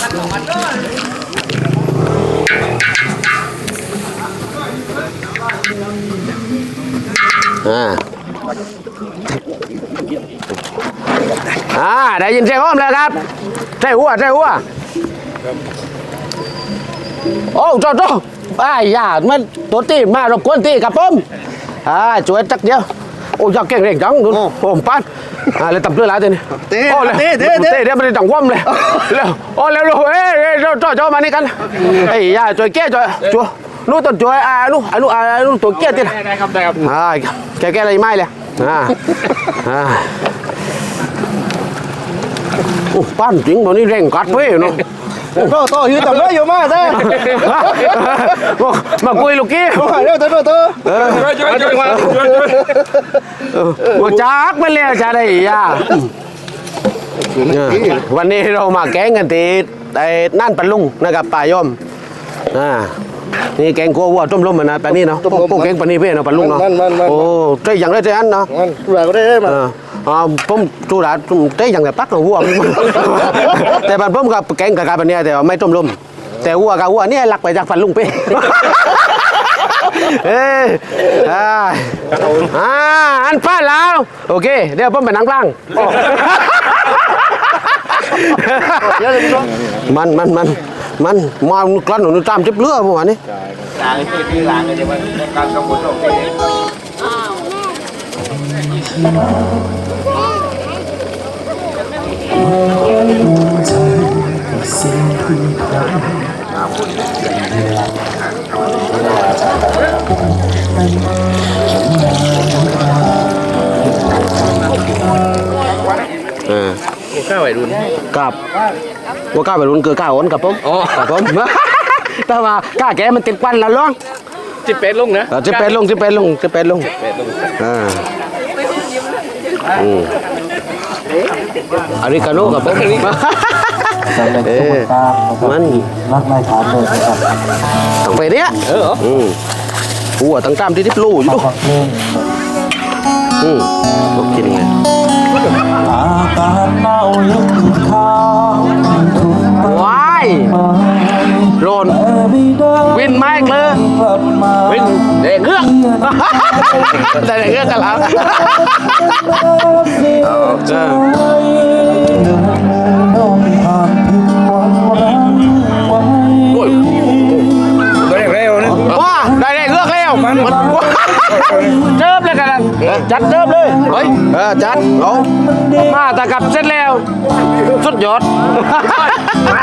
ได้ยินเสียงอ้อมเลยครับใช่หัวโอ้โจ้อย่ามันตัวตีมารบกวนตีกับผมช่วยจักเดียวโอ้ยเก่งเร่งจังดูผมปั้นเลยตับเลือดไหลตัวนี้เตะเดี๋ยวมันจะจังว่ำเลยเร็วเร็วจ้ามานี่กันอย่าช่วยแก้ช่วยนู้ต้นช่วยนู้ตัวแก้ตีได้ครับแก้อะไรไม่เลยโอ้ปั้นจริงตอนนี้เร่งกัดเว้ยเนาะโตยืนจับเลยอยู่มากเด้มาคุยลูกกี้เร็วว่าจักไม่เลี้ยจะได้วันนี้เรามาแกงกันตีนั่นปลุงนะครับป่ายอมนี่แกงกัววัวต้มล้มนะปนี้เนาะพวกแกงปนี้เพื่อนเนาะปลุงเนาะโอ้ใจอย่างไรใจอันเนาะก็ได้มาผมจูดาเต้อย่างแบบปักหัวแต่บันผมกับแกงกับการแบบนี้แต่ไม่ต้มลมแต่หัวกับหัวนี่หลักไปจากฟันลุงเป้อันป้าแล้วโอเคเดี๋ยวผมไปนั่งกลางมันมากลั่นหนูตามจิบเลือดเมื่อวานนี้ล้างจะมันการกระปุกลงก้าวไปรุนกับว่าก้าวไปรุนคือก้าวอ้นกับผมแต่ว่าก้าแกมันติดควันแล้วล่องจิเป็ดลงนะจิเป็ดลงอาริกาโน่กับผมมันรักไม่ถามเลยครับต้องไปเนี้ยหัวตั้งตามที่ทิพลู่อยู่ลูกกินไงอากาศหนาวยังค้างว้ายโรนวินไมค์เลยวินเด็กเงือกแต่เด็กเงือกกันแล้วได้เร็วนะว้าได้เงือกเร็วเจิบเลยกันจัดเจิบเลยเฮ้ยจัดเอามาแต่กับเสร็จแล้วสุดยอด